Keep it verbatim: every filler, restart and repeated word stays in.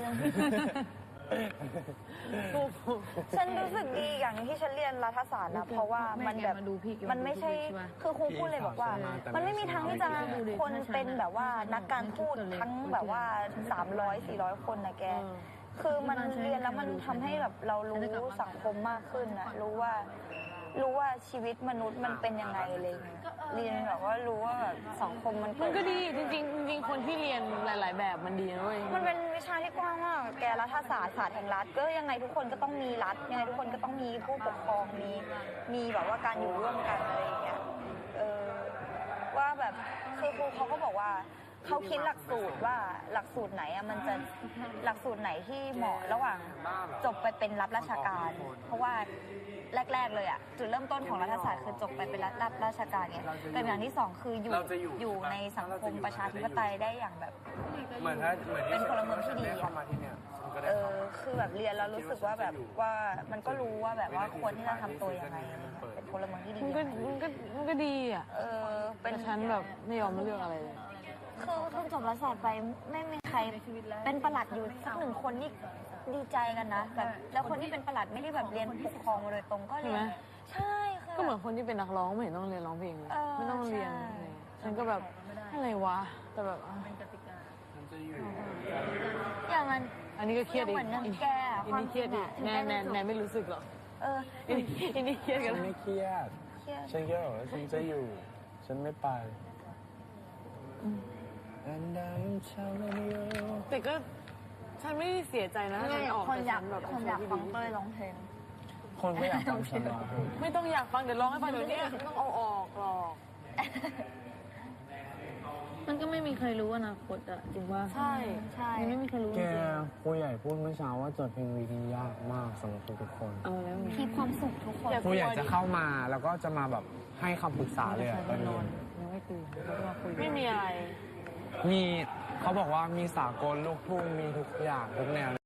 ฉันรู้สึกดีอย่างที่ฉันเรียนรัฐศาสตร์นะเพราะว่ามันแบบมันไม่ใช่คือครูพูดเลยบอกว่ามันไม่มีทางที่จะคนเป็นแบบว่านักการทูตทั้งแบบว่าสามร้อย สี่ร้อยคนนะแกคือมันเรียนแล้วมันทำให้แบบเรารู้สังคมมากขึ้นนะรู้ว่ารู้ว่าชีวิตมนุษย์มันเป็นยังไงเลยเรียนแบบว่ารู้ว่าแบบสังคมมันมันก็ดีจริงๆจริงๆคนที่เรียนหลาย ๆ แบบมันดีนะเว้ยมันเป็นวิชาที่กว้างมากแกรัฐศาสตร์ศาสตร์แห่งรัฐก็ยังไงทุกคนก็ต้องมีรัฐยังไงทุกคนก็ต้องมีผู้ปกครองมีมีแบบว่าการอยู่ร่วมกันอะไรอย่างเงี้ยเออว่าแบบคือครูเขาก็บอกว่าเขาคิดหลักสูตรว่าหลักสูตรไหนอะมันจะหลักสูตรไหนที่เหมาะระหว่างจบไปเป็นรับราชการ เพราะว่าแรกๆเลยอะจุดเริ่มต้นของรัฐศาสตร์คือจบไปเป็นรับราชการเนี่ยแต่อย่างที่สองคืออยู่อยู่ในสังคมประชาธิปไตยได้อย่างแบบเหมือนถ้าเหมือนเป็นพลเมืองที่ดีเข้ามาที่เนี่ยเออคือแบบเรียนแล้วรู้สึกว่าแบบว่ามันก็รู้ว่าแบบว่าควรที่จะทำตัวยังไงเป็นพลเมืองที่ดีมันก็มันก็มันก็ดีอ่ะเออเป็นฉันแบบไม่ยอมเลือกอะไรเลยคือคือจบรัฐศาสตร์ไปไม่มีใครเป็นประหลัดอยู่สักหนึ่งคนนี่ดีใจกันนะแบบแล้วคนที่เป็นประหลัดไม่ได้แบบเรียนปกครองมาโดยตรงก็เรียนใช่คือก็เหมือนคนที่เป็นนักร้องไม่เห็นต้องเรียนร้องเพลงเลยไม่ต้องเรียนฉันก็แบบอะไรวะแต่แบบอย่างนั้นอันนี้ก็เครียดอีกเหมือนแกอันนี้เครียดอีกแน่แน่แน่ไม่รู้สึกหรอเอออันนี้เครียดกันฉันไม่เครียดฉันแค่บอกว่าฉันจะอยู่ฉันไม่ไปแต่ก็ฉันไม่ได้เสียใจนะฉันออกคนอยากแบบคนอยากฟังเต้ยร้องเพลงคนไม่อยากฟังฉันร้องไม่ต้องอยากฟังเดี๋ยวร้องให้ฟังเดี๋ยวนี้ต้องเอาออกหรอกมันก็ไม่มีใครรู้อนาคตอะจริงว่าใช่ใช่ไม่มีใครรู้แกครูใหญ่พูดเมื่อเช้าว่าจดเพลงวีดียากมากสำหรับทุกคนเอาแล้วคีบความสุขทุกคนครูใหญ่จะเข้ามาแล้วก็จะมาแบบให้คำปรึกษาเลยอะตอนนี้ยังไม่ตื่นไม่มีอะไรมีเขาบอกว่ามีสากลลูกทุ่งมีทุกอย่างทุกแนว